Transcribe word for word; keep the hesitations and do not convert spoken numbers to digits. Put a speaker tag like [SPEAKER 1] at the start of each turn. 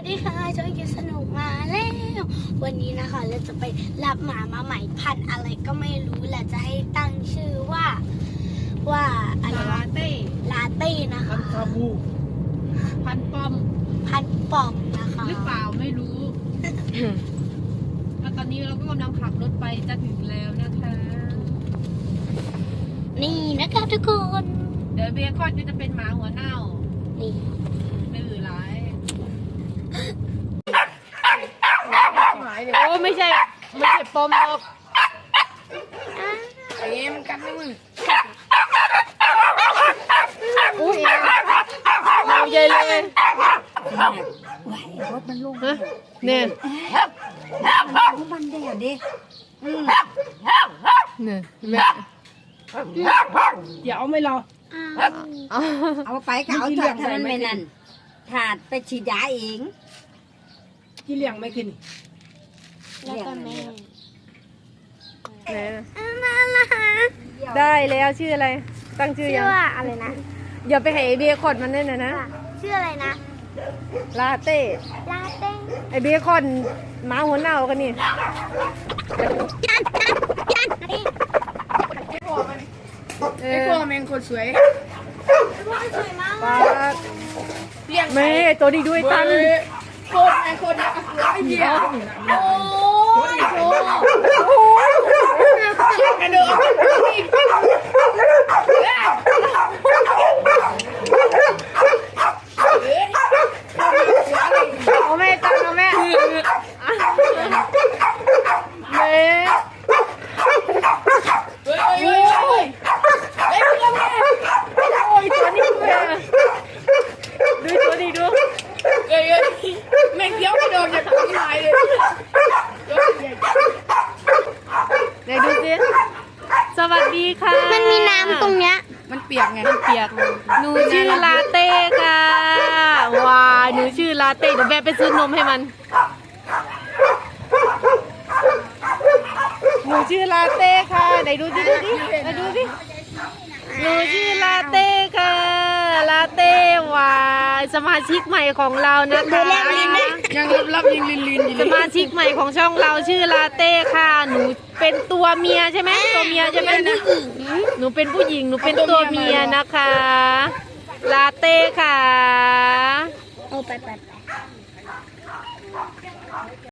[SPEAKER 1] ดีค่ะจอยกินสนุกมาแล้ววันนี้นะคะเราจะไปรับหมามาใหม่พันธุ์อะไรก็ไม่รู้และจะให้ตั้งชื่อว่าว่าอะไร
[SPEAKER 2] ลาว
[SPEAKER 1] ะ
[SPEAKER 2] เต้
[SPEAKER 1] ลาเต้นะคะ
[SPEAKER 3] พันคาบู
[SPEAKER 2] พันปอม
[SPEAKER 1] พันธุ์ปอมนะคะ
[SPEAKER 2] หรือเปล่าไม่รู้ แล้วตอนนี้เราก็กำลังขับรถไปจะถึงแล้วนะคะ
[SPEAKER 1] นี่นะคะทุกคน
[SPEAKER 2] เดี๋ยวเบียร์คอนก็จะเป็นหมาหัวเน่า
[SPEAKER 1] นี่
[SPEAKER 2] ดื้อร้าย
[SPEAKER 4] โอ้ไม่ใช่ไม่ใช่ปอมหรอก
[SPEAKER 3] ไอ้เงี้ยมันกัดไม่มึง
[SPEAKER 4] อุ้ยเราใหญ่เลย
[SPEAKER 5] ไหวรถมันลง
[SPEAKER 4] ฮะเนี่ย
[SPEAKER 5] มันมันแดดดิอืม
[SPEAKER 4] เนี่ยแม่
[SPEAKER 3] เดี๋ยวไม่รอ
[SPEAKER 1] อ้าว
[SPEAKER 4] เอา
[SPEAKER 5] เอาไปก็เอาถอดเท่านั้นไม่นั่นถาดไปฉีดยาเอง
[SPEAKER 3] ที่เลี้ยงไม่ขึ้น
[SPEAKER 1] แล้วก็แม่
[SPEAKER 4] ไหนนะ
[SPEAKER 1] อ้าวน่ารัก
[SPEAKER 4] ได้แล้วชื่ออะไร ตั้งชื่อ
[SPEAKER 1] ชื่
[SPEAKER 4] ยั
[SPEAKER 1] อง ว่าอะไรนะ
[SPEAKER 4] อย่าไปให้ไอเบียร์คอนมันด้วยนะนะ
[SPEAKER 1] ชื่ออะไรนะ
[SPEAKER 4] ลาเต้
[SPEAKER 1] ลาเต้
[SPEAKER 4] ไอเบียร์คอนหมาหัวเน่ากันนี่
[SPEAKER 1] จันจันจันนี่
[SPEAKER 4] เอ
[SPEAKER 3] ไอ้
[SPEAKER 4] อ
[SPEAKER 3] พวกแมงคนสวย
[SPEAKER 1] พวกสวยมาก
[SPEAKER 4] ปาด
[SPEAKER 3] เลี้ยง
[SPEAKER 4] แม่ตัวดีด้วยตัน
[SPEAKER 3] โคตรไอ้คนเนี่ยไอ้เหี้ย
[SPEAKER 1] โอ้ยโชว์
[SPEAKER 3] กระโดด
[SPEAKER 4] เอาแม่ตันเอาแม่แม่
[SPEAKER 3] เฮ้ยเฮ้ยเฮ้ยเฮ้ยเฮ้ยเฮ้ย
[SPEAKER 4] โอ้ยตัวนี้ด้วยอะดูตัวนี้ดู
[SPEAKER 3] เฮ้ยแม่งเกี้ยวกระโดดจากที่ไหนเลย
[SPEAKER 4] ไหนดูสิสวัสดีค่ะ
[SPEAKER 1] มันมีน้ำตรงเนี้ย
[SPEAKER 3] มันเปียกไง
[SPEAKER 4] เปียกหนูชื่อลาเต้ค่ะว้ายหนูชื่อลาเต้เดี๋ยวแม่ไปซื้อนมให้มันหนูชื่อลาเต้ค่ะไหนดูดิดูดิไหนดูดิหนูชื่อลาเต้ค่ะลาเต้ว้ายสมาชิกใหม่ของเรานะคะ
[SPEAKER 3] ยังรับรับยิงลินลินอยู่
[SPEAKER 4] ส
[SPEAKER 3] เลย
[SPEAKER 4] มาชิกใหม่ของช่องเราชื่อลาเต้ค่ะ หนูเป็นตัวเมียใช่ไหมตัวเมียใช่ไหมหนูเป็นผู้หญิงหนูเป็นตัวเมียนะคะ ลาเต้ค่ะ
[SPEAKER 1] โอ้ไปไปไป